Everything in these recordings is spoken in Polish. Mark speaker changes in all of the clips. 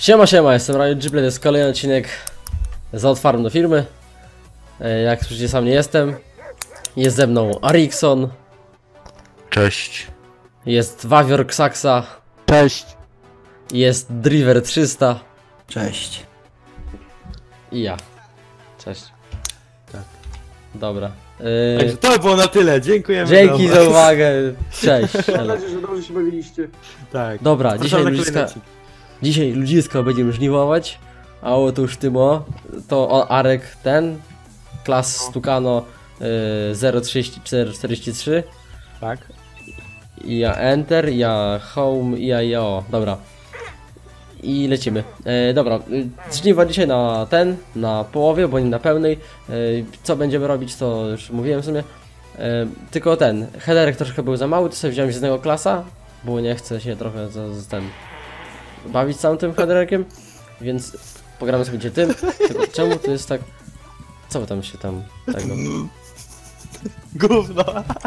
Speaker 1: Siema, siema, jestem Ryan Gible, to jest kolejny odcinek z Outfarm do firmy. Jak słyszycie, sam nie jestem. Jest ze mną Arikson.
Speaker 2: Cześć.
Speaker 1: Jest Wawior Xaxa.
Speaker 3: Cześć.
Speaker 1: Jest Driver 300.
Speaker 3: Cześć.
Speaker 1: I ja. Cześć.
Speaker 2: Tak.
Speaker 1: Dobra.
Speaker 2: Także to było na tyle, dziękujemy.
Speaker 1: Dzięki za uwagę. Cześć.
Speaker 4: Mam nadzieję, że dobrze się bawiliście.
Speaker 2: Tak.
Speaker 1: Dobra,
Speaker 2: Zapraszamy na kolejny odcinek.
Speaker 1: dzisiaj ludzisko będziemy żniwować. A otóż Tymo, to Arek ten, klas Stukano 03443.
Speaker 2: Tak.
Speaker 1: I ja Enter, ja Home, i ja o, dobra. I lecimy. Dobra, żniwa dzisiaj na połowie, bo nie na pełnej. Co będziemy robić, to już mówiłem w sumie. Tylko headerek troszkę był za mały, to sobie wziąłem z jednego klasa, bo nie chcę się trochę bawić całym tym headerkiem, więc pogramy sobie tym. Tylko czemu to jest tak? Co wy tam się tego?
Speaker 2: Gówno.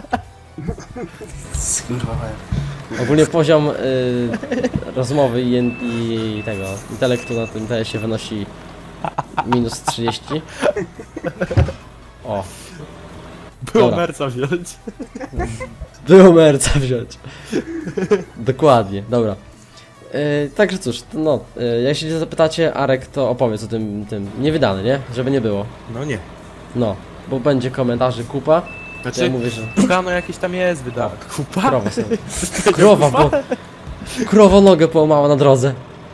Speaker 1: Ogólnie poziom rozmowy i tego intelektu na tym TS-ie wynosi minus 30. O.
Speaker 2: Było
Speaker 1: Dobra.
Speaker 2: merca wziąć.
Speaker 1: Było merca wziąć. Dokładnie, dobra. Także cóż, jak się zapytacie, Arek to opowiedz o tym niewydany, nie? Żeby nie było.
Speaker 2: No nie.
Speaker 1: No, bo będzie komentarzy kupa.
Speaker 2: Znaczy,
Speaker 1: Ja mówię, że
Speaker 2: Tukano jakieś tam jest wydane. Kupa?
Speaker 1: krowa sobie. Krowa nogę połamała na drodze.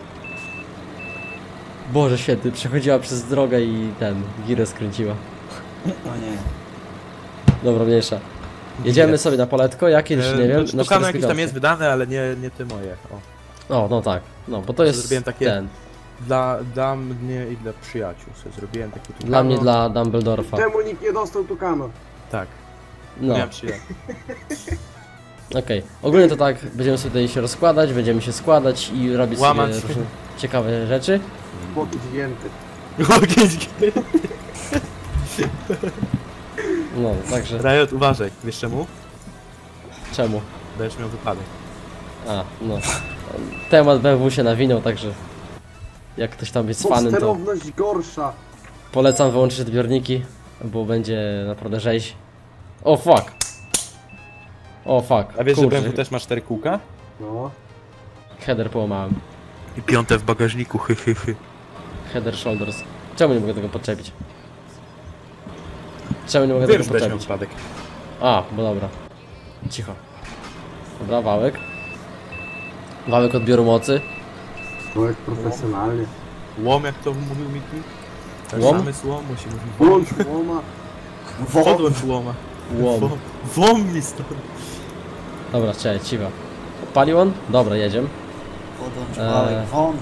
Speaker 1: Boże święty, przechodziła przez drogę i girę skręciła.
Speaker 3: O nie.
Speaker 1: Dobra, mniejsza. Jedziemy sobie na poletko, ja kiedyś nie wiem.
Speaker 2: Znaczy,
Speaker 1: na
Speaker 2: Tukano jakieś tam
Speaker 1: 45.
Speaker 2: jest wydane, ale nie te moje. O.
Speaker 1: O, no tak. No, bo to jest
Speaker 2: Zrobiłem takie- Dla mnie i dla przyjaciół sobie zrobiłem takie Tukano.
Speaker 1: Dla mnie, dla Dumbledorfa.
Speaker 4: Czemu nikt nie dostał Tukano?
Speaker 2: Tak.
Speaker 1: No,
Speaker 2: Miałem przyjaciół.
Speaker 1: okej. Ogólnie to tak, będziemy sobie tutaj się rozkładać, będziemy się składać i robić sobie
Speaker 2: Łamać.
Speaker 1: różne ciekawe rzeczy.
Speaker 4: Boki dźwięty.
Speaker 1: No, także
Speaker 2: Riot, uważaj. Wiesz czemu?
Speaker 1: czemu?
Speaker 2: Będziesz miał wypadek.
Speaker 1: A, no. Temat BMW się nawinął, także jak ktoś tam jest fanem, to
Speaker 4: Podsterowność gorsza.
Speaker 1: polecam wyłączyć odbiorniki, bo będzie naprawdę rzeź. O fuck! O fuck,
Speaker 2: A wiesz, że
Speaker 1: kurczę,
Speaker 2: BMW też ma 4 kółka?
Speaker 4: No.
Speaker 1: header połamałem.
Speaker 2: I 5 w bagażniku,
Speaker 1: Header shoulders. Czemu nie mogę tego podczepić? Czemu nie mogę
Speaker 2: Wiem,
Speaker 1: tego
Speaker 2: że będziesz miał
Speaker 1: podczepić?
Speaker 2: wypadek.
Speaker 1: A, bo dobra. Cicho. Dobra, wałek. Wałek odbioru mocy.
Speaker 4: Człowiek profesjonalnie.
Speaker 2: Łom, jak to mówił Miki?
Speaker 1: Łom?
Speaker 2: Zamysł łomu się mówi.
Speaker 4: Włącz łoma.
Speaker 2: Podłącz łoma.
Speaker 1: Łom.
Speaker 2: Łom mi stąd.
Speaker 1: Dobra, czekaj, cicho. Odpalił on? Dobra, jedziemy.
Speaker 3: Podłącz wałek won.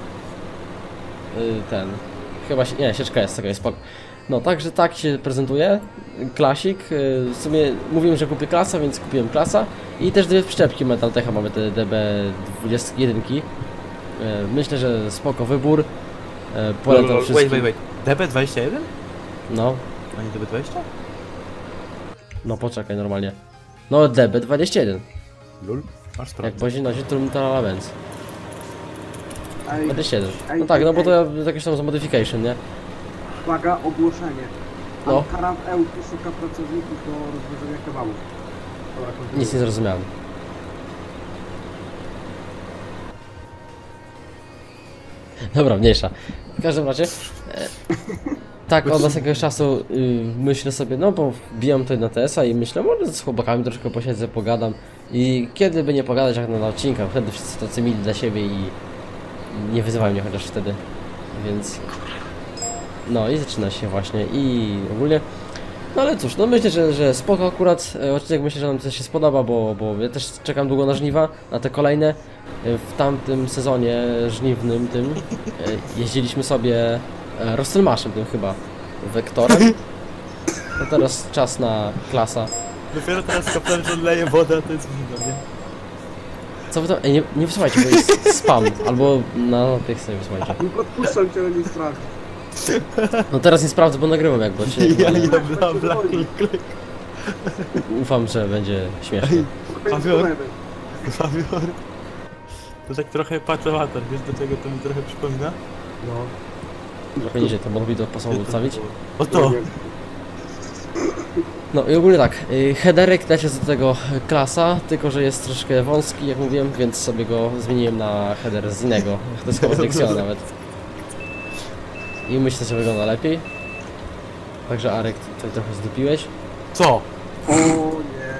Speaker 1: Chyba się... Nie, sieczka jest, jest spoko. No, także tak się prezentuje. Klasik. W sumie mówiłem, że kupię klasa, więc kupiłem klasa. I też dwie przyczepki Metaltecha, mamy te DB21. Myślę, że spoko wybór. Polecam wszystkim.
Speaker 2: Wait. DB21?
Speaker 1: No,
Speaker 2: A nie DB20?
Speaker 1: no poczekaj, normalnie. No, DB21.
Speaker 2: Lul. Masz
Speaker 1: Jak
Speaker 2: sprawę.
Speaker 1: bozi nosi Trumtala Benz.
Speaker 4: Ej,
Speaker 1: 21.
Speaker 4: ej,
Speaker 1: No tak, no bo
Speaker 4: ej.
Speaker 1: to jakieś tam modification, nie?
Speaker 4: uwaga, ogłoszenie.
Speaker 1: No.
Speaker 4: Ankara w Ełku szuka pracowników do rozwiązania kebabów. Dobra, kontynuuj.
Speaker 1: Nic nie zrozumiałem. Dobra, mniejsza. W każdym razie, tak od jakiegoś czasu myślę sobie, no bo wbijam tutaj na TS-a i myślę, może z chłopakami troszkę posiedzę, pogadam. I kiedy by nie pogadać jak na odcinkach, wtedy wszyscy tacy mili dla siebie i nie wyzywają mnie chociaż wtedy, więc... No i zaczyna się właśnie i ogólnie... No ale cóż, no myślę, że spoko akurat, odcinek myślę, że nam też się spodoba, bo ja też czekam długo na żniwa, na te kolejne. W tamtym sezonie żniwnym tym jeździliśmy sobie Rostelmaszem tym chyba, Wektorem. No teraz czas na klasa.
Speaker 2: Dopiero teraz kapelę, że leje wodę, to jest wino, nie?
Speaker 1: Co wy tam? Ej, nie wysłuchajcie, bo jest spam, albo na tych sobie wysłuchajcie.
Speaker 4: Nie podpuszczam cię, ale nie strasz.
Speaker 1: No teraz nie sprawdzę, bo nagrywam jakby, ale
Speaker 2: bla.
Speaker 1: ufam, że będzie śmiesznie.
Speaker 4: Spokojnie,
Speaker 2: Fabior.
Speaker 4: spokojnie.
Speaker 2: To tak trochę patowator, wiesz do czego to mi trochę przypomina?
Speaker 4: No.
Speaker 1: Trochę niżej to mogli do pasowo ustawić.
Speaker 2: O to!
Speaker 1: No i ogólnie tak, headerek też jest do tego klasa, tylko że jest troszkę wąski, jak mówiłem, więc sobie go zmieniłem na header z innego. To jest chyba z Lexiona nawet. I myślę, że wygląda lepiej. Także Arek, tutaj trochę zdupiłeś.
Speaker 2: Co?
Speaker 4: O nie.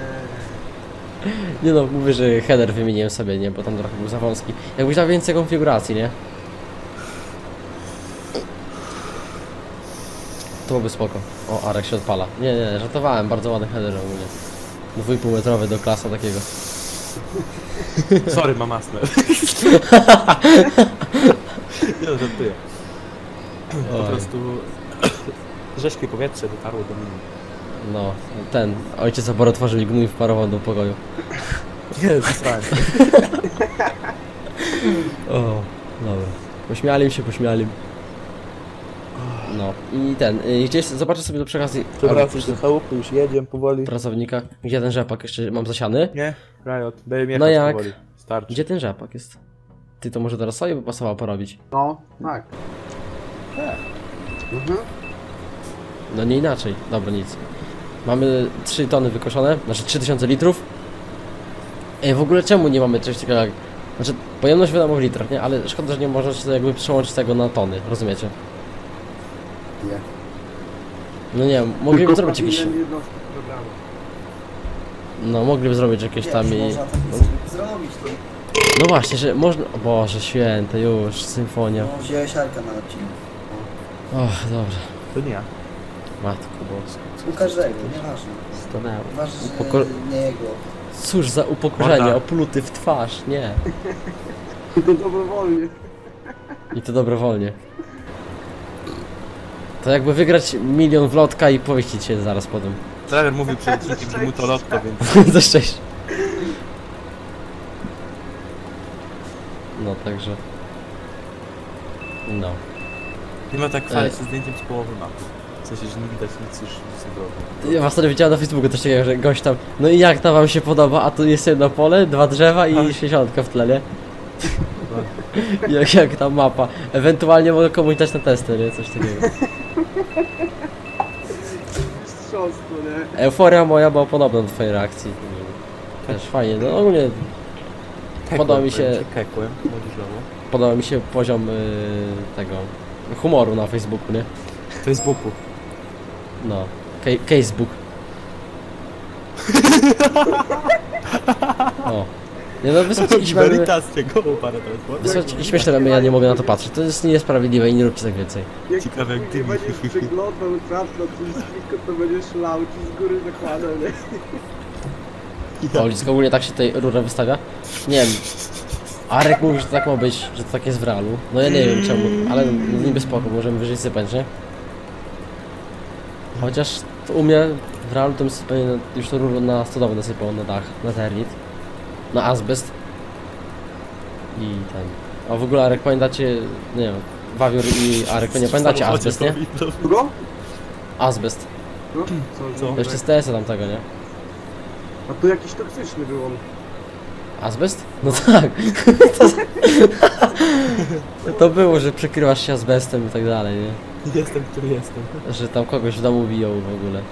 Speaker 1: Nie no, mówię, że header wymieniłem sobie, nie, bo tam trochę był za wąski. Jakbyś dał więcej konfiguracji, nie? To byłoby spoko. O, Arek się odpala. Nie, żartowałem, bardzo ładny header ogólnie. 2,5 metrowy do klasa takiego.
Speaker 2: Sorry, mam astmę. Nie no, żartuję. Po
Speaker 1: Oj.
Speaker 2: prostu rzeźkie powietrze dotarło do mnie.
Speaker 1: No, ojciec opor otworzyli gnój wparował do pokoju.
Speaker 2: Nie, zasrałem.
Speaker 1: O, dobra. Pośmiali. No i gdzieś zobaczę sobie do przekazy
Speaker 2: Dobra, już do chałupy, już jedziemy powoli.
Speaker 1: pracownika. Gdzie ten rzepak jeszcze mam zasiany?
Speaker 2: Nie? Riot, daję mi
Speaker 1: No
Speaker 2: jechać
Speaker 1: jak?
Speaker 2: powoli. Starczy.
Speaker 1: Gdzie ten rzepak jest? Ty to może teraz sobie by pasowało porobić.
Speaker 4: No, tak. Mhm.
Speaker 1: No nie inaczej. Dobra, nic. Mamy 3 tony wykoszone, znaczy 3000 litrów. Ej, w ogóle czemu nie mamy czegoś takiego jak... Znaczy, pojemność wiadomo w litrach, nie? Ale szkoda, że nie można się jakby przełączyć tego na tony, rozumiecie?
Speaker 4: Nie.
Speaker 1: No nie wiem, mogliby zrobić jakieś...
Speaker 4: Powinien jednostki programu.
Speaker 1: No, mogliby zrobić jakieś tam i...
Speaker 3: Można tak zrobić, to
Speaker 1: No właśnie, że można... O Boże święte, już, symfonia.
Speaker 3: no, wziąłeś Arka na odcinku.
Speaker 1: Och, dobra.
Speaker 2: To nie ja.
Speaker 1: Matko boska.
Speaker 3: U każdego, nieważne.
Speaker 1: Stanęło.
Speaker 3: Ważne, że
Speaker 1: Upoko-
Speaker 3: nie jego.
Speaker 1: Cóż za upokorzenie,
Speaker 2: Morda.
Speaker 1: opluty w twarz, nie.
Speaker 4: I to dobrowolnie.
Speaker 1: I to dobrowolnie. To jakby wygrać 1 milion w lotka i powiesić się zaraz potem.
Speaker 2: Trener mówił przed odcinkiem, że mu to lotto, więc...
Speaker 1: Za szczęście. No, także... No.
Speaker 2: Nie ma tak chwalić się zdjęciem z połowy mapy. W sensie, że nie widać nic już z drogi.
Speaker 1: Ja was wtedy widziałem na Facebooku też takiego, że gość tam... No i jak to wam się podoba? A tu jest jedno pole, 2 drzewa i 60 w tle, nie? jak ta mapa. Ewentualnie mogę komuś dać na testy, nie? Coś takiego.
Speaker 4: Mistrzostwo, nie?
Speaker 1: Euforia moja była podobna do twojej reakcji. Też fajnie, no ogólnie Podoba mi się-
Speaker 2: Kekłem, młodzieżowo.
Speaker 1: podoba mi się poziom tego humoru na Facebooku, nie?
Speaker 2: Facebooku.
Speaker 1: No. Casebook. O. Nie no, wysłać jakieś memy,
Speaker 2: Veritas cię go parę teraz.
Speaker 1: wysłać jakieś śmieszne memy, ja nie mogę na to patrzeć. To jest niesprawiedliwe i nie róbcie tak więcej.
Speaker 4: Jak
Speaker 2: Ciekawe, jak ty
Speaker 4: nie
Speaker 2: mi-
Speaker 4: będziesz przeglądał czat na Twitterze, to będziesz lał ci z góry zakładał, nie?
Speaker 1: O, Lisko, ogólnie tak się tutaj rura wystawia. Nie wiem. Arek mówi, że to tak ma być, że to tak jest w realu. No ja nie wiem czemu, ale niby spoko, możemy wyżej sypać, nie? Chociaż to u mnie w realu to bym sypanie już to rurę na stodowę nasypał na dach, na termit, na azbest. I ten. A w ogóle Arek, pamiętacie, nie wiem, Wawior i Arek, nie pamiętacie azbest, nie?
Speaker 4: Kogo?
Speaker 1: Azbest.
Speaker 4: No? Co?
Speaker 2: Co?
Speaker 1: To jeszcze z TS-a tamtego, nie?
Speaker 4: A tu jakiś toksyczny był on.
Speaker 1: Azbest? No tak. To było, że przykrywasz się azbestem i tak dalej, nie?
Speaker 2: Jestem, który jestem.
Speaker 1: Że tam kogoś w domu biją w ogóle.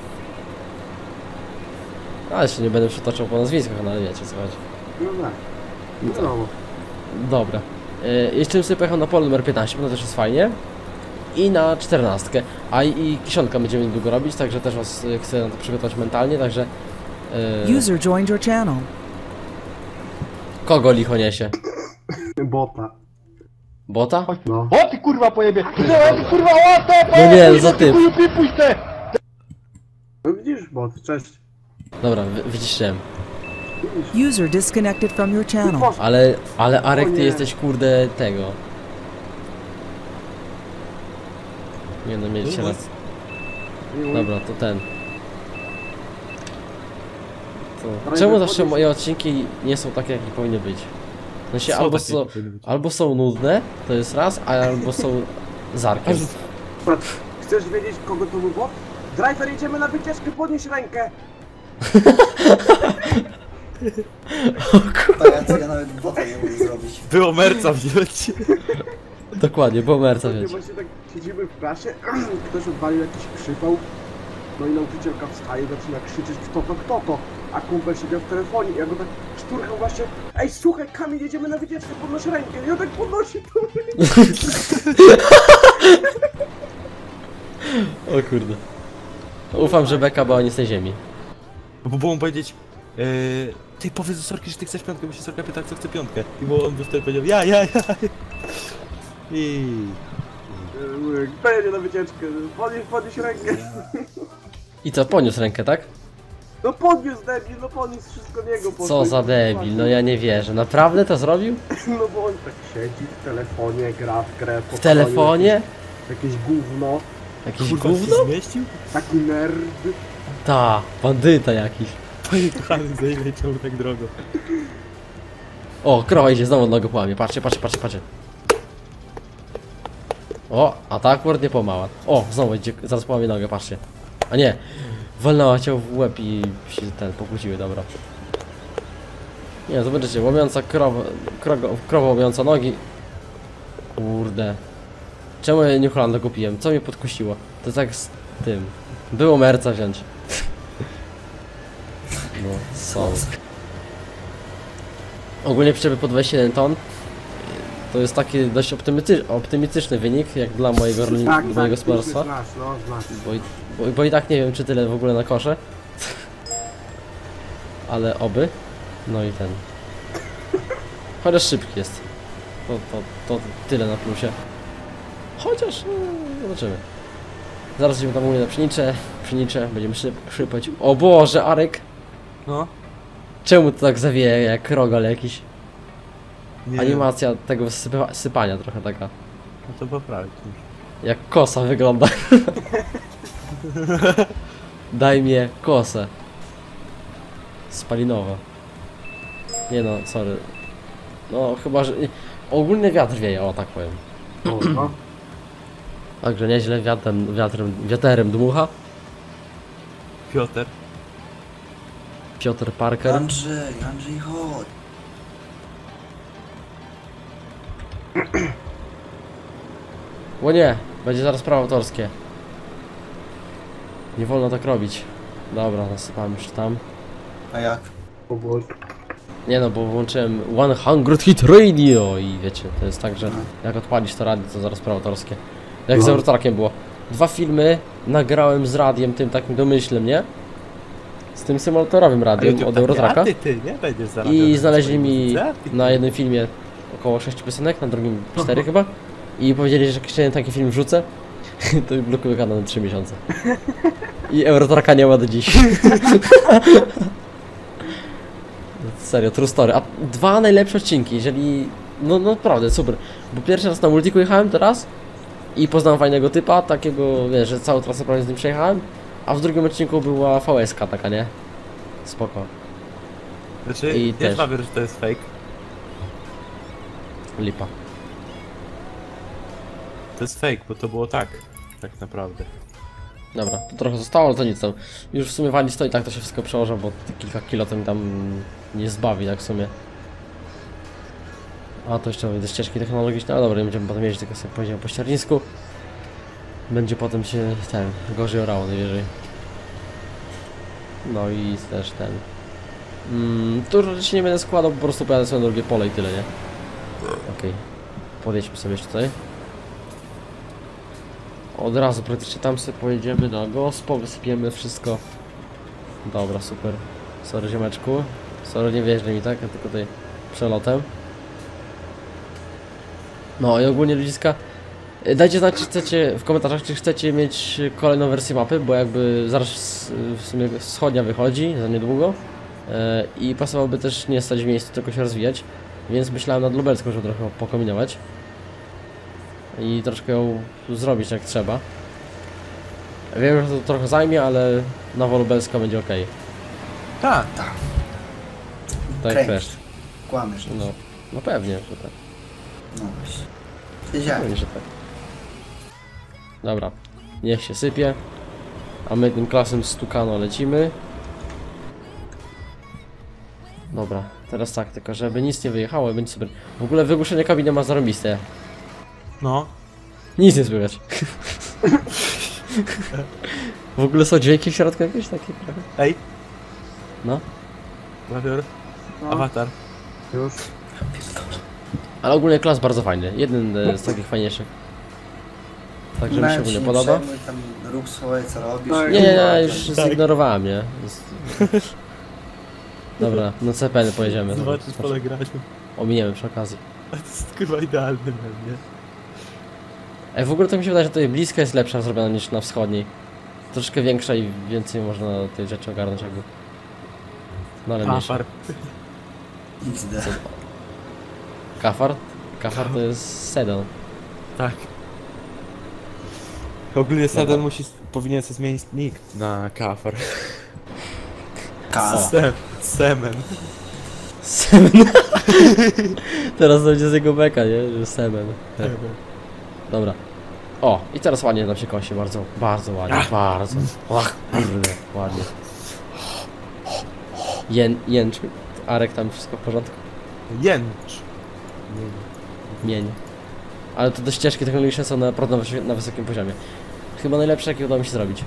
Speaker 1: Ale się nie będę przytaczał po nazwiskach, no ale wiecie co chodzi.
Speaker 4: No tak.
Speaker 1: No tak.
Speaker 4: No.
Speaker 1: Dobra. Jeszcze bym sobie pojechał na pole numer 15, bo to też jest fajnie. I na 14. A i kiszonka będziemy niedługo robić, także też was chcę na to przygotować mentalnie, także...
Speaker 5: User joined your channel.
Speaker 1: Kogo licho niesie?
Speaker 4: Bota.
Speaker 1: Bota?
Speaker 4: No.
Speaker 6: O ty kurwa pojebie! Wziąłem kurwa łatę!
Speaker 1: No nie, no za typ.
Speaker 6: Pipuj te!
Speaker 4: No widzisz, bot, cześć.
Speaker 1: Dobra, wyciszyłem.
Speaker 4: Widzisz.
Speaker 5: User disconnected from your channel.
Speaker 4: Poszło.
Speaker 1: Ale Arek,
Speaker 4: O
Speaker 1: ty
Speaker 4: nie.
Speaker 1: jesteś kurde tego. Nie no, mieliście raz. Dobra, to ten. To... Czemu zawsze moje odcinki nie są takie, jakie powinny być? W sensie albo są nudne, to jest raz, albo są z Arkiem.
Speaker 4: Patrz, chcesz wiedzieć, kogo to był bot? Driver, jedziemy na wycieczkę, podnieś rękę!
Speaker 3: Pajacu, ja nawet bota nie mogę zrobić.
Speaker 2: Było merca wziąć.
Speaker 1: Dokładnie, bo merca wziąć.
Speaker 4: Właśnie tak siedzimy w klasie, ktoś odwalił jakiś przypał, no i nauczycielka wstaje, zaczyna krzyczeć kto to, a kumpel siedział w telefonie i ja go tak szturchał właśnie, ej słuchaj Kamil, jedziemy na wycieczkę, podnoś rękę, i on tak podnosi tą rękę.
Speaker 1: O kurde. Ufam, że beka była nie z tej ziemi.
Speaker 2: Bo było mu powiedzieć, ty powiedz do Sorki, że ty chcesz piątkę, bo się Sorka pyta, kto chce piątkę. I bo on by wtedy powiedział, ja. I...
Speaker 4: Kto jedzie na wycieczkę, podnieś rękę.
Speaker 1: I co, poniósł rękę, tak?
Speaker 4: No podniósł debil, no podniósł wszystko niego.
Speaker 1: Co za debil, no ja nie wierzę. Naprawdę to zrobił?
Speaker 4: No bo on tak siedzi w telefonie, gra w grę.
Speaker 1: W telefonie?
Speaker 4: Jakieś gówno,
Speaker 1: Jakieś
Speaker 2: Kurwa,
Speaker 1: gówno?
Speaker 2: się zmieścił?
Speaker 4: taki nerd.
Speaker 1: Ta, bandyta jakiś.
Speaker 2: Panie kochany, za ile leciał tak drogo.
Speaker 1: O, krowa idzie, znowu nogę połamie. Patrzcie. O, a ta akurat nie pomała. O, znowu idzie, zaraz połamie nogę, patrzcie. A nie, walnęła cię w łeb i się pokłóciły, dobra. Nie, zobaczycie, łomiąca krowa łomiąca nogi. Kurde. Czemu ja New Hollanda kupiłem? Co mnie podkusiło? To tak z tym. Było merca wziąć. No, są. Ogólnie przyczepy po 21 ton to jest taki dość optymistyczny wynik, jak dla mojego gospodarstwa.
Speaker 4: Znasz, no, znasz.
Speaker 1: Bo i tak nie wiem, czy tyle w ogóle na kosze. Ale oby. No i ten. Chociaż szybki jest. To tyle na plusie. Chociaż, no, zobaczymy. Zaraz idziemy tam u mnie na pszenicze, będziemy szypać. O Boże, Arek!
Speaker 2: No.
Speaker 1: Czemu to tak zawieje jak rogal jakiś?
Speaker 2: Nie
Speaker 1: Animacja tego sypania trochę taka.
Speaker 2: No to poprawić już.
Speaker 1: Jak kosa wygląda. Daj mnie kosę. Spalinowa. Nie no, sorry. No chyba, że... Ogólny wiatr wieje, o tak powiem.
Speaker 4: No.
Speaker 1: Także nieźle wiaterem dmucha. Piotr Parker.
Speaker 3: Andrzej, chodź.
Speaker 1: O nie, będzie zaraz prawo autorskie. Nie wolno tak robić. Dobra, nasypałem już tam.
Speaker 3: A jak?
Speaker 4: O Boże.
Speaker 1: Nie no, bo włączyłem 100 Hit Radio i wiecie, to jest tak, że jak odpalisz to radio, to zaraz prawo autorskie. Jak z
Speaker 4: No.
Speaker 1: Eurotrackiem było. 2 filmy nagrałem z radiem tym takim domyślnym, nie? Z tym symulatorowym radiem od Eurotracka.
Speaker 2: Ty nie będziesz
Speaker 1: I znaleźli mi na jednym filmie około 6 piosenek, na drugim 4 chyba. I powiedzieli, że jak jeszcze jeden taki film wrzucę, to blokuję kanał na 3 miesiące. I Eurotracka nie ma do dziś. Serio, true story. A 2 najlepsze odcinki, jeżeli... No naprawdę, super. Bo pierwszy raz na Multiku jechałem teraz i poznałem fajnego typa, takiego, wiesz, że całą trasę prawie z nim przejechałem. A w drugim odcinku była VS-ka taka, nie? Spoko.
Speaker 2: Znaczy,
Speaker 1: I
Speaker 2: ja
Speaker 1: też.
Speaker 2: chyba wiem, że to jest fake.
Speaker 1: Lipa.
Speaker 2: To jest fake, bo to było tak naprawdę.
Speaker 1: Dobra, to trochę zostało, ale to nic tam. Już w sumie wali stoi, tak to się wszystko przełożę, bo te kilka kilo to mi tam nie zbawi, tak w sumie. A to jeszcze wyjdę ścieżki technologiczne, ale dobra, nie będziemy potem jeździć, tylko sobie pojedziemy po ściernisku. Będzie potem się gorzej orało najwyżej. No i też ten. Tu rzeczywiście nie będę składał, po prostu pojadę sobie na drugie pole i tyle, nie? Okej. Podjedźmy sobie jeszcze tutaj. Od razu praktycznie tam sobie pojedziemy na gospo, wysypiemy wszystko. Dobra, super. Sorry ziomeczku. Sorry, nie wjeżdżaj mi tak, ja tylko tutaj przelotem. No i ogólnie ludziska, dajcie znać, czy chcecie w komentarzach, czy chcecie mieć kolejną wersję mapy, bo jakby zaraz w sumie wschodnia wychodzi za niedługo i pasowałoby też nie stać w miejscu, tylko się rozwijać, więc myślałem nad lubelską, żeby trochę pokombinować i troszkę ją zrobić jak trzeba. Wiem, że to trochę zajmie, ale nowa lubelska będzie ok.
Speaker 2: Tak.
Speaker 1: Tak jak też.
Speaker 3: Kłamiesz.
Speaker 1: No pewnie, że tak.
Speaker 3: No właśnie. Wiedziałem.
Speaker 1: Pewnie, że tak. Dobra, niech się sypie. A my tym klasem stukano lecimy. Dobra, teraz tak, tylko żeby nic nie wyjechało, będzie super. W ogóle wygłuszenie kabiny ma zarąbiste.
Speaker 2: No.
Speaker 1: Nic nie słychać. W ogóle są dźwięki w środku jakieś takie trochę?
Speaker 2: Ej.
Speaker 1: No.
Speaker 2: Wawior.
Speaker 4: No,
Speaker 2: Awatar.
Speaker 4: już.
Speaker 1: Ale ogólnie klas bardzo fajny, jeden z takich fajniejszych. Także mi się ogólnie podoba.
Speaker 3: Przejmuj, tam rób swoje co robisz.
Speaker 4: Tak.
Speaker 1: Nie, już zignorowałem, nie? Dobra, no CPN pojedziemy.
Speaker 2: Zobaczysz pole grać.
Speaker 1: Ominiemy przy okazji.
Speaker 2: To jest kurwa idealny mem, nie?
Speaker 1: W ogóle to mi się wydaje, że tutaj bliska jest lepsza zrobiona niż na wschodniej. Troszkę większa i więcej można tej rzeczy ogarnąć jakby. No ale mniejsza.
Speaker 2: Afar.
Speaker 3: XD.
Speaker 1: Kafar? Kafar to jest sedan.
Speaker 2: Tak. Ogólnie Sedan powinien sobie zmienić nick na Kafar.
Speaker 3: Kas.
Speaker 2: Semen.
Speaker 1: Semen. Teraz będzie z jego beka, nie? Że Semen. Dobra. O, i teraz ładnie nam się kosi, bardzo, bardzo ładnie, bardzo. Ach, kurde, ładnie. Jęcz. Arek, tam wszystko w porządku?
Speaker 2: Jęcz.
Speaker 1: Mień. Ale to te ścieżki technologiczne są naprawdę na wysokim poziomie. Chyba najlepsze, jakie udało mi się zrobić.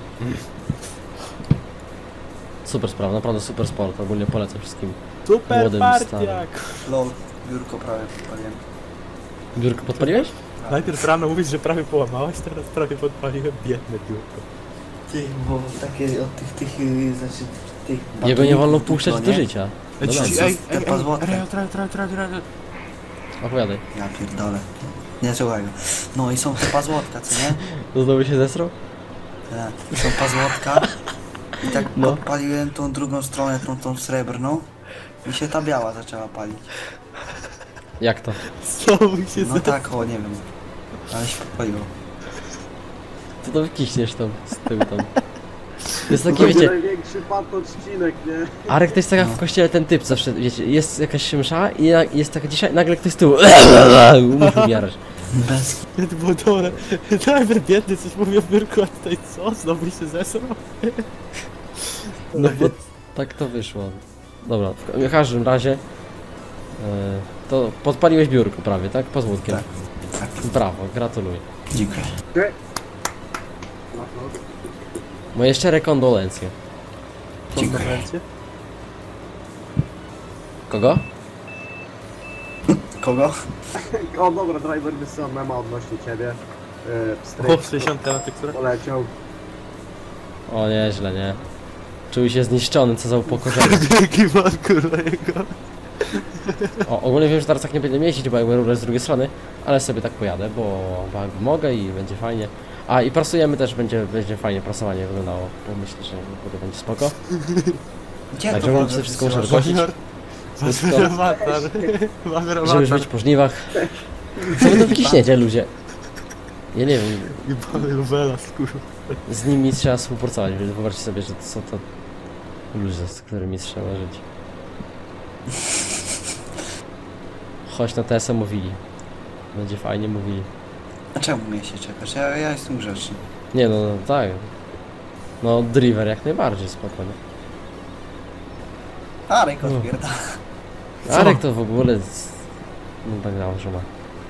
Speaker 1: Super sprawa, naprawdę super sport. Ogólnie polecam wszystkim.
Speaker 2: Super
Speaker 1: Młodym,
Speaker 2: partiak.
Speaker 3: Lol, biurko prawie podpaliłem.
Speaker 1: Biurko podpaliłeś?
Speaker 2: Najpierw rano mówisz, że prawie połamałeś, teraz prawie podpaliłem biedne biurko.
Speaker 3: Ty, bo takie od tych, znaczy tych...
Speaker 1: Jego nie wolno
Speaker 3: batoników
Speaker 1: puszczać
Speaker 3: duplo,
Speaker 1: do
Speaker 3: nie?
Speaker 1: życia. No
Speaker 3: Ej,
Speaker 1: dajcie.
Speaker 3: te pazłotka.
Speaker 1: Opowiadaj.
Speaker 3: Ja pierdolę. Nie słuchaj go. No i są te pazłotka, co nie?
Speaker 1: To znowu się zesrał?
Speaker 3: Tak, są pazłotka. I tak
Speaker 1: No.
Speaker 3: podpaliłem tą drugą stronę, tą srebrną. I się ta biała zaczęła palić.
Speaker 1: Jak to?
Speaker 2: Znowu się
Speaker 3: No tak, o nie wiem. Ale się podpaliło.
Speaker 1: To wykiśniesz tam z tyłu tam. To jest
Speaker 4: To
Speaker 1: taki,
Speaker 4: będzie
Speaker 1: wiecie,
Speaker 4: największy pan odcinek, nie?
Speaker 1: Arek to jest taka w kościele ten typ zawsze, wiecie, jest jakaś msza i jest taka dzisiaj, nagle ktoś z tyłu musi umierać.
Speaker 3: Bez...
Speaker 2: To było dobre. Najpierw biedny coś mówił o biurku, a tutaj co? Znowu się zesrał?
Speaker 1: No bo tak to wyszło. Dobra, w każdym razie to podpaliłeś biurko prawie, tak? Pozwólkiem.
Speaker 3: Tak. Tak,
Speaker 1: Brawo, gratuluję.
Speaker 3: dziękuję.
Speaker 4: No, no.
Speaker 1: Moje szczere kondolencje.
Speaker 3: Dziękuję.
Speaker 1: Kogo?
Speaker 3: Kogo?
Speaker 4: O dobra, driver wysyła mema odnośnie ciebie.
Speaker 2: O,
Speaker 4: Stryk
Speaker 2: 60 na teksturę.
Speaker 4: poleciał.
Speaker 1: O nieźle, nie? Czuł się zniszczony, co za upokorzenie.
Speaker 2: Jaki man, kurwa, jego.
Speaker 1: O, ogólnie wiem, że teraz tak nie będę jeździć, bo jakby rurę z drugiej strony, ale sobie tak pojadę, bo jakby mogę i będzie fajnie. A i prasujemy też, będzie fajnie prasowanie wyglądało, bo myślę, że będzie spoko.
Speaker 3: Gdzie
Speaker 1: Także
Speaker 3: to
Speaker 1: mam
Speaker 3: wodę
Speaker 1: sobie wszystko muszę
Speaker 3: wysyłasz?
Speaker 1: wygłosić,
Speaker 2: Mamy awatar. Mamy
Speaker 1: żeby już
Speaker 2: awatar.
Speaker 1: być po żniwach. Co wy to wykiśniecie, ludzie? Ja nie wiem,
Speaker 2: I mamy Lubela, kurwa.
Speaker 1: z nimi trzeba współpracować, więc wyobraźcie sobie, że to są to ludzie, z którymi trzeba żyć. Chodź na TSM mówili. Będzie fajnie mówili.
Speaker 3: A czemu mnie się czekasz? Ja jestem grzeczny.
Speaker 1: Nie no, no tak. No driver jak najbardziej spokojnie.
Speaker 3: Arek odpierdala.
Speaker 1: Arek to w ogóle... No tak że ma.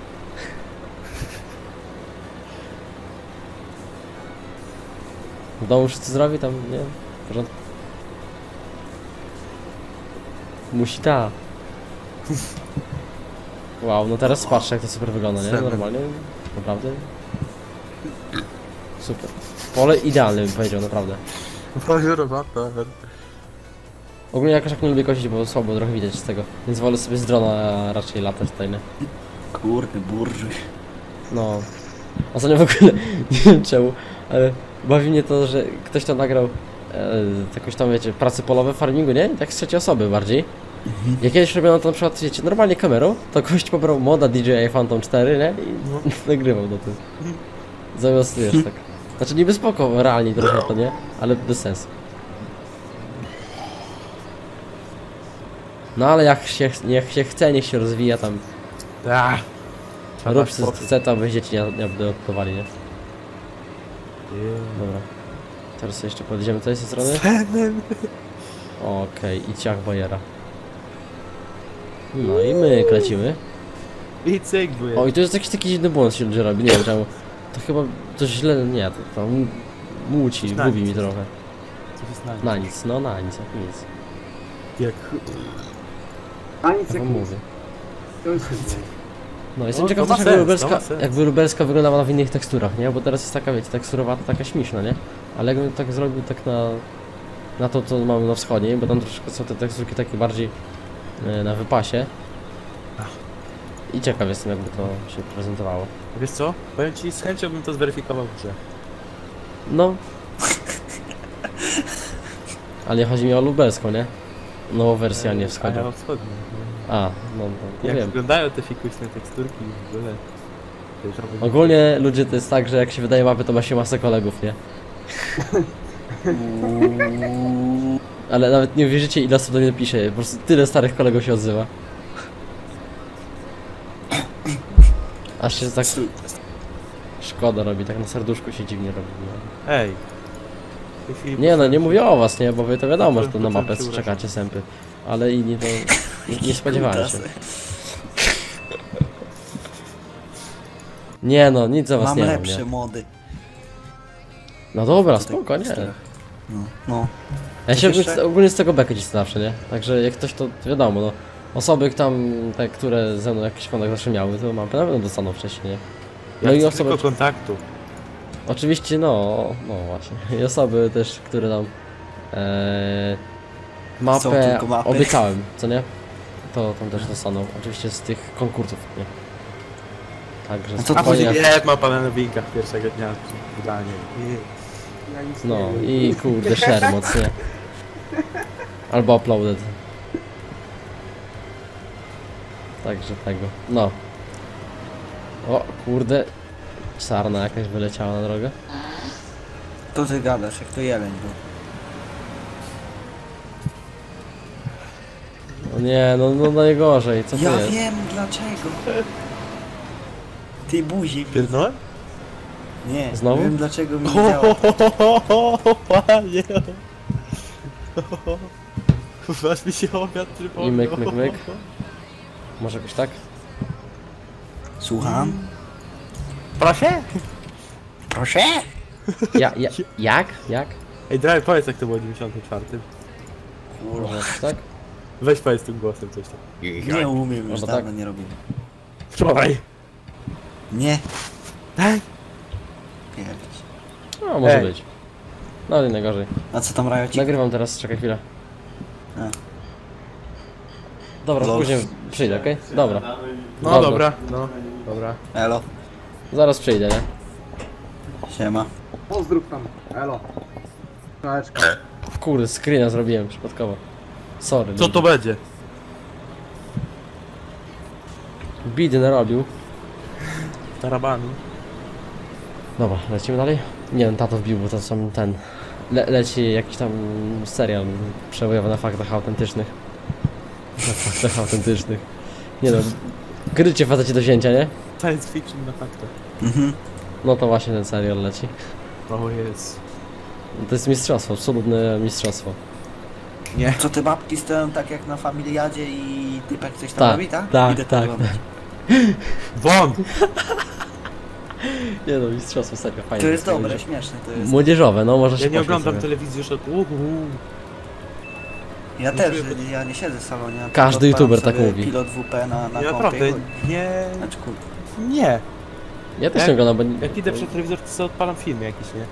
Speaker 1: W domu wszyscy zdrowi tam, nie? W porządku. Musi ta. Wow, no teraz patrzę jak to super wygląda, nie? Normalnie, naprawdę. Super. Pole idealne bym powiedział, naprawdę.
Speaker 2: Mamy awatar.
Speaker 1: Ogólnie jakoś tak nie lubię kosić, bo słabo trochę widać z tego. Więc wolę sobie z drona raczej latać tutaj, nie?
Speaker 3: Kurde, burżuj.
Speaker 1: No. Ostatnio w ogóle, nie wiem czemu, ale bawi mnie to, że ktoś tam nagrał jakoś tam, wiecie, prace polowe w farmingu, nie? Tak z trzeciej osoby bardziej. Jak kiedyś robiono to na przykład, wiecie, normalnie kamerą, to gość pobrał moda DJI Phantom 4, nie? I nagrywał do tego. Zamiast, wiesz, tak. Znaczy niby spoko, realnie trochę to, nie? Ale bez sensu. No ale jak się chce, niech się rozwija tam. Rób co chce, to aby dzieci nie odpływali, nie? Dobra. Teraz sobie jeszcze podjedziemy tutaj z tej strony. Okej, i ciach bajera. No i my lecimy.
Speaker 2: I cyk byłem.
Speaker 1: O, i to jest jakiś taki dziwny błąd się ludzie robi, nie wiem czemu. To chyba coś źle, nie, to muci,
Speaker 2: Na
Speaker 1: gubi
Speaker 2: nic
Speaker 1: mi trochę.
Speaker 2: Co jest na nic?
Speaker 1: Na nic, no na nic, jak nic.
Speaker 2: Jak...
Speaker 4: A nic
Speaker 1: Ja
Speaker 4: jak
Speaker 1: wam
Speaker 4: nic.
Speaker 1: mówię.
Speaker 4: To jest
Speaker 1: No, jestem
Speaker 2: No,
Speaker 1: ciekaw
Speaker 2: to ma
Speaker 1: też
Speaker 2: sens,
Speaker 1: jakby
Speaker 2: to ma
Speaker 1: lubelska,
Speaker 2: sens.
Speaker 1: jakby lubelska wyglądała w innych teksturach, nie? Bo teraz jest taka, wiecie, teksturowa, taka śmieszna, nie? Ale jakbym tak zrobił tak na to, co mamy na wschodzie, bo tam troszkę są te teksturki takie bardziej na wypasie. I ciekaw jestem, jakby to się prezentowało.
Speaker 2: Wiesz co? Powiem ci, z chęcią bym to zweryfikował w grze.
Speaker 1: No. Ale nie chodzi mi o lubelską, nie? Nową wersję, a nie
Speaker 2: A
Speaker 1: wschodzie.
Speaker 2: ja wschodnią.
Speaker 1: A, no to
Speaker 2: Jak
Speaker 1: wiem.
Speaker 2: wyglądają te fikuśne teksturki w ogóle. To jest robię-
Speaker 1: Ogólnie ludzie to jest tak, że jak się wydaje mapy, to ma się masę kolegów, nie? Ale nawet nie wierzycie, ile osób do mnie pisze, po prostu tyle starych kolegów się odzywa. Aż się tak szkoda robi, tak na serduszku się dziwnie robi. Nie?
Speaker 2: Ej. Jeśli-
Speaker 1: Nie no, nie mówię o was, nie, bo wy to wiadomo, że to na
Speaker 2: Potem
Speaker 1: mapę
Speaker 2: się urażę.
Speaker 1: czekacie sępy. Ale inni to nie spodziewałem się. Nie no, nic za was
Speaker 3: Mam
Speaker 1: nie mam,
Speaker 3: lepsze
Speaker 1: nie?
Speaker 3: mody.
Speaker 1: No dobra,
Speaker 3: Tutaj
Speaker 1: spoko, nie.
Speaker 3: czterech. No, no.
Speaker 1: Ja się
Speaker 3: jeszcze?
Speaker 1: ogólnie z tego bekę dziś zawsze, nie? Także jak ktoś to wiadomo, no. Osoby tam, te, które ze mną jakiś kontakt zawsze miały, to na pewno dostaną wcześniej, nie?
Speaker 2: Ja
Speaker 1: No i
Speaker 2: chcę
Speaker 1: osoby,
Speaker 2: tylko kontaktu.
Speaker 1: oczywiście, no właśnie. I osoby też, które tam
Speaker 3: Są
Speaker 1: mapę
Speaker 3: tylko mapy.
Speaker 1: obiecałem, co nie? To tam też dostaną, oczywiście z tych konkursów, nie? Także
Speaker 3: A co
Speaker 2: A później
Speaker 1: spokojnie.
Speaker 2: jest mapa na nowinkach pierwszego dnia wydania.
Speaker 4: Ja nic
Speaker 1: No
Speaker 4: nie wiem.
Speaker 1: i kurde, share mocnie. Albo uploaded. Także tego. No. O kurde. Sarna jakaś wyleciała na drogę.
Speaker 3: To ty gadasz, jak to jeleń był.
Speaker 1: No nie, no najgorzej, co to
Speaker 3: Ja
Speaker 1: jest?
Speaker 3: wiem dlaczego. Ty buzi.
Speaker 2: Pierdolę?
Speaker 3: Nie,
Speaker 1: Znowu?
Speaker 3: wiem dlaczego mi nie działa.
Speaker 2: Panie! Wasz mi się obiad przypomniał.
Speaker 1: I myk, myk, myk. Może jakoś tak?
Speaker 3: Słucham?
Speaker 2: Proszę?
Speaker 3: Proszę?
Speaker 1: Jak?
Speaker 2: Ej, Drive, powiedz jak to było w 94.
Speaker 1: Może jakoś tak?
Speaker 2: Weź powiedz tym głosem coś tam.
Speaker 3: Nie umiem, już
Speaker 1: Albo
Speaker 3: dawno
Speaker 1: tak?
Speaker 3: nie robiłem.
Speaker 2: Wczoraj!
Speaker 3: Nie.
Speaker 2: Tak?
Speaker 3: Pierdź.
Speaker 1: No może
Speaker 2: Ej.
Speaker 1: być. No nie najgorzej.
Speaker 3: A co tam Rajocik?
Speaker 1: Nagrywam teraz, czekaj chwilę.
Speaker 3: A.
Speaker 1: Dobra,
Speaker 3: Lol.
Speaker 1: później przyjdę, okej? Dobra.
Speaker 2: No dobra, no. Dobra.
Speaker 3: Elo.
Speaker 1: Zaraz przyjdę, nie?
Speaker 3: Siema.
Speaker 4: Pozdrów tam. Elo. Cześć.
Speaker 1: Kurde, screena zrobiłem przypadkowo. Sorry.
Speaker 2: Co to będzie?
Speaker 1: Bidy narobił.
Speaker 2: Tarabany.
Speaker 1: Dobra, lecimy dalej? Nie wiem, tato wbił, bo to są ten... leci jakiś tam serial przebojowy na faktach autentycznych. Na faktach autentycznych. Nie no, grycie facecie do wzięcia, nie?
Speaker 2: Science fiction na faktach.
Speaker 3: Mhm.
Speaker 1: No to właśnie ten serial leci.
Speaker 2: O jest.
Speaker 1: To jest mistrzostwo, absolutne mistrzostwo.
Speaker 2: Nie.
Speaker 3: Co te babki stoją tak jak na familiadzie i typek coś tam
Speaker 1: Tak,
Speaker 3: robi, tak?
Speaker 1: tak,
Speaker 3: Idę to
Speaker 1: tak,
Speaker 3: oglądać.
Speaker 2: Won!
Speaker 1: Nie no, mistrzostwo, serio, fajne.
Speaker 3: To jest
Speaker 1: takie
Speaker 3: dobre,
Speaker 1: będzie.
Speaker 3: śmieszne to jest.
Speaker 1: Młodzieżowe, no może się
Speaker 2: Ja nie
Speaker 1: pośmiać
Speaker 2: oglądam
Speaker 1: sobie.
Speaker 2: telewizji już od...
Speaker 3: Ja też, ja nie siedzę w salonie. ja
Speaker 1: Każdy
Speaker 3: tylko odpalam
Speaker 1: youtuber tak
Speaker 3: sobie
Speaker 1: mówi.
Speaker 3: Pilot WP na
Speaker 2: Ja
Speaker 3: kompie.
Speaker 2: naprawdę nie...
Speaker 3: Znaczy kurde.
Speaker 2: Nie.
Speaker 1: Ja też
Speaker 2: Jak-
Speaker 1: nie oglądam, bo...
Speaker 2: Jak idę przed telewizor, to sobie odpalam filmy jakieś, nie?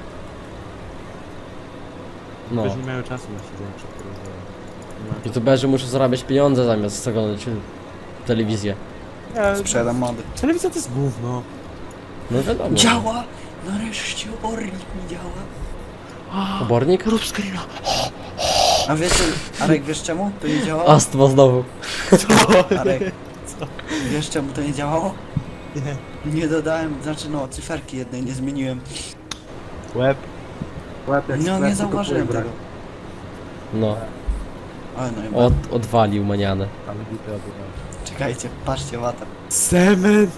Speaker 1: No.
Speaker 2: Też nie mają czasu na siedzenie przed telewizorem. Nie ma-
Speaker 1: YouTuberzy muszą zarabiać pieniądze zamiast oglądać telewizję.
Speaker 2: Nie,
Speaker 3: Sprzedam mody.
Speaker 2: telewizja to jest gówno.
Speaker 1: No wiadomo.
Speaker 3: Działa! Nareszcie obornik mi działa.
Speaker 1: Obornik?
Speaker 2: Rób screena.
Speaker 3: A wiecie, Arek, wiesz czemu to nie działało?
Speaker 1: Astma znowu.
Speaker 3: Arek, wiesz czemu to nie działało?
Speaker 2: Nie.
Speaker 3: Nie dodałem, znaczy no, cyferki jednej nie zmieniłem.
Speaker 2: Łeb.
Speaker 4: Łeb jak
Speaker 3: No
Speaker 4: sklep,
Speaker 3: nie
Speaker 4: tylko
Speaker 3: zauważyłem
Speaker 4: brak.
Speaker 3: tego.
Speaker 1: No,
Speaker 3: Ale no i
Speaker 1: odwalił manianę.
Speaker 2: Ale bity obywatel.
Speaker 3: czekajcie, patrzcie, łata.
Speaker 2: Semen!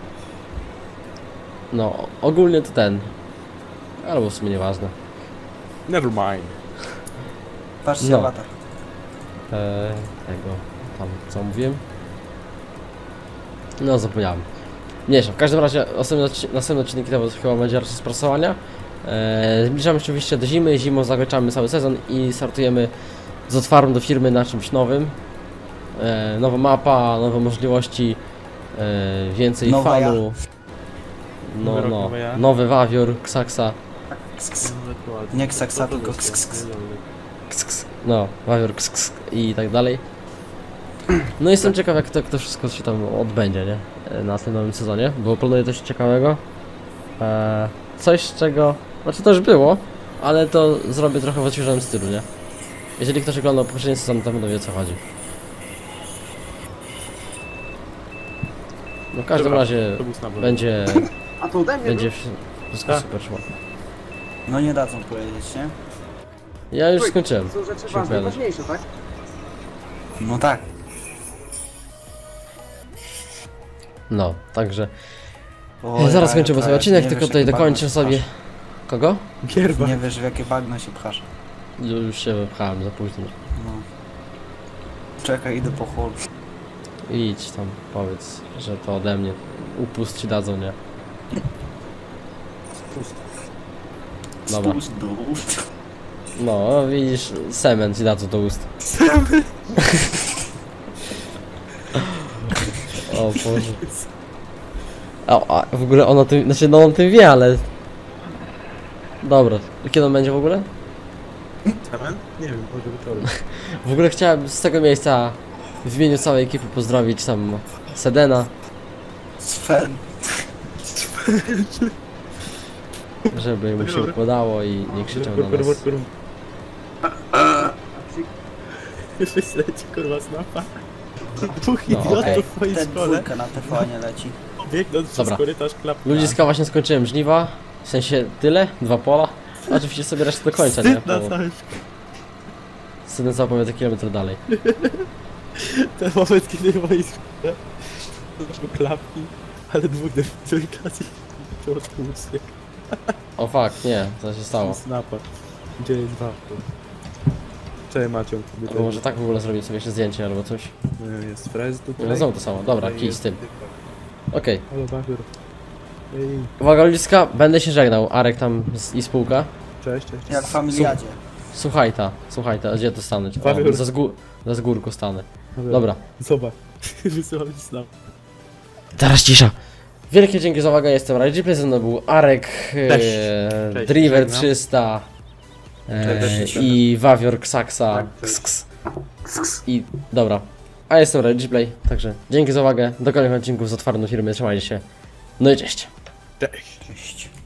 Speaker 1: No, ogólnie to ten. Albo w sumie nieważne.
Speaker 2: Never mind.
Speaker 3: Patrzcie,
Speaker 1: No.
Speaker 3: łata.
Speaker 1: Tego, tam co mówiłem? No zapomniałem. Mniejsza, w każdym razie następny odcinek to chyba będzie raczej z prasowania. Zbliżamy się oczywiście do zimy, zimą zakończamy cały sezon i startujemy z otwartą do firmy na czymś nowym. Nowa mapa, nowe możliwości, więcej
Speaker 3: Nowa
Speaker 1: fanu.
Speaker 2: Nowy rok, nowe ja.
Speaker 1: Nowy wawior, ksaksa.
Speaker 3: Nie ksaksa, tylko ks.
Speaker 1: Ks, ks. No, wawior, ks, ks, i tak dalej. No jestem ciekaw, jak to wszystko się tam odbędzie, nie? Na tym nowym sezonie, bo planuję coś ciekawego. Coś, czego... Znaczy to już było, ale to zrobię trochę w odświeżonym stylu, nie? Jeżeli ktoś oglądał poprzedni sezon, to będą wie, o co chodzi. No w każdym
Speaker 2: Dobra,
Speaker 1: razie
Speaker 2: to był snap.
Speaker 1: będzie...
Speaker 4: A to ode mnie
Speaker 1: będzie
Speaker 4: był?
Speaker 1: wszystko
Speaker 2: Tak.
Speaker 1: super szło.
Speaker 3: No nie dadzą powiedzieć, nie?
Speaker 1: Ja już
Speaker 4: Oj,
Speaker 1: skończyłem.
Speaker 4: To są rzeczy
Speaker 1: się
Speaker 4: ważne,
Speaker 1: opowiadać.
Speaker 4: ważniejsze, tak?
Speaker 3: No tak.
Speaker 1: No, także...
Speaker 3: Oj,
Speaker 1: Zaraz
Speaker 3: ale
Speaker 1: kończymy
Speaker 3: to
Speaker 1: sobie
Speaker 3: jest-
Speaker 1: odcinek,
Speaker 3: nie
Speaker 1: tylko
Speaker 3: wiesz,
Speaker 1: tutaj
Speaker 3: jakie
Speaker 1: dokończę
Speaker 3: bagno się
Speaker 1: sobie... Kogo?
Speaker 2: Gierba.
Speaker 3: pchasz. Nie wiesz, w jakie bagno się pchasz.
Speaker 1: Już się wypchałem za późno.
Speaker 3: No. Czekaj, idę po chłop.
Speaker 1: Idź tam, powiedz, że to ode mnie. Upust ci dadzą, nie? Dobra.
Speaker 3: Spust do ust.
Speaker 1: No, widzisz, semen ci dadzą do ust. O Boże. A w ogóle on o tym, znaczy no on o tym wie, ale... Dobra, kiedy on będzie w ogóle?
Speaker 2: Semen? Nie wiem, może wieczorem.
Speaker 1: W ogóle chciałem z tego miejsca w imieniu całej ekipy pozdrowić tam Sedena,
Speaker 3: Sven.
Speaker 1: żeby mu się układało i nie krzyczał na nas.
Speaker 2: Wyślecie kurwa snapa. Dwóch
Speaker 1: No,
Speaker 2: idiotów
Speaker 1: okej.
Speaker 2: w twojej
Speaker 3: Ten
Speaker 2: szkole.
Speaker 3: dwójka na TV nie leci.
Speaker 2: Biegnąc przez
Speaker 1: Dobra.
Speaker 2: korytarz klapka.
Speaker 1: Ludziska, właśnie skończyłem żniwa, w sensie tyle, 2 pola. Oczywiście sobie resztę do końca, nie?
Speaker 2: Wstyd na
Speaker 1: Bo
Speaker 2: całym
Speaker 1: Sydney zapowiada kilometr dalej.
Speaker 2: ten moment, kiedy w mojej szkole zobaczył klapki, ale dwóch trójklasy to odpuszczę.
Speaker 1: O fuck, nie, co się stało?
Speaker 2: Snapa. Gdzie jest wafel? Cześć Macią.
Speaker 1: Albo może tak w ogóle zrobić sobie jeszcze zdjęcie albo coś.
Speaker 2: Jest frez tutaj.
Speaker 1: No znowu to samo, dobra,
Speaker 2: Tutaj
Speaker 1: kij z
Speaker 2: jest
Speaker 1: tym.
Speaker 2: typa.
Speaker 1: Okej.
Speaker 2: Halo Bafior. Ej,
Speaker 1: Uwaga ludziska, będę się żegnał, Arek tam i spółka.
Speaker 2: cześć.
Speaker 3: Jak w familiadzie.
Speaker 1: Słuchaj ta, gdzie to stanąć?
Speaker 2: Paweł.
Speaker 1: O, za zgórku stanę. Dobra.
Speaker 2: Zobacz. Wysyłam ci snap.
Speaker 1: Teraz cisza. Wielkie dzięki za uwagę, jestem Rajdzipley, ze mną był Arek,
Speaker 2: Cześć,
Speaker 1: Driver
Speaker 2: żegnam.
Speaker 1: 300
Speaker 2: Cześć.
Speaker 1: i Wawior Ksaksa.
Speaker 2: Tak, cześć.
Speaker 1: Ks. I dobra. A jestem Rajdzipley, także dzięki za uwagę, do kolejnych odcinków z otwartą firmy, trzymajcie się. No i cześć.
Speaker 2: Cześć.
Speaker 3: Cześć.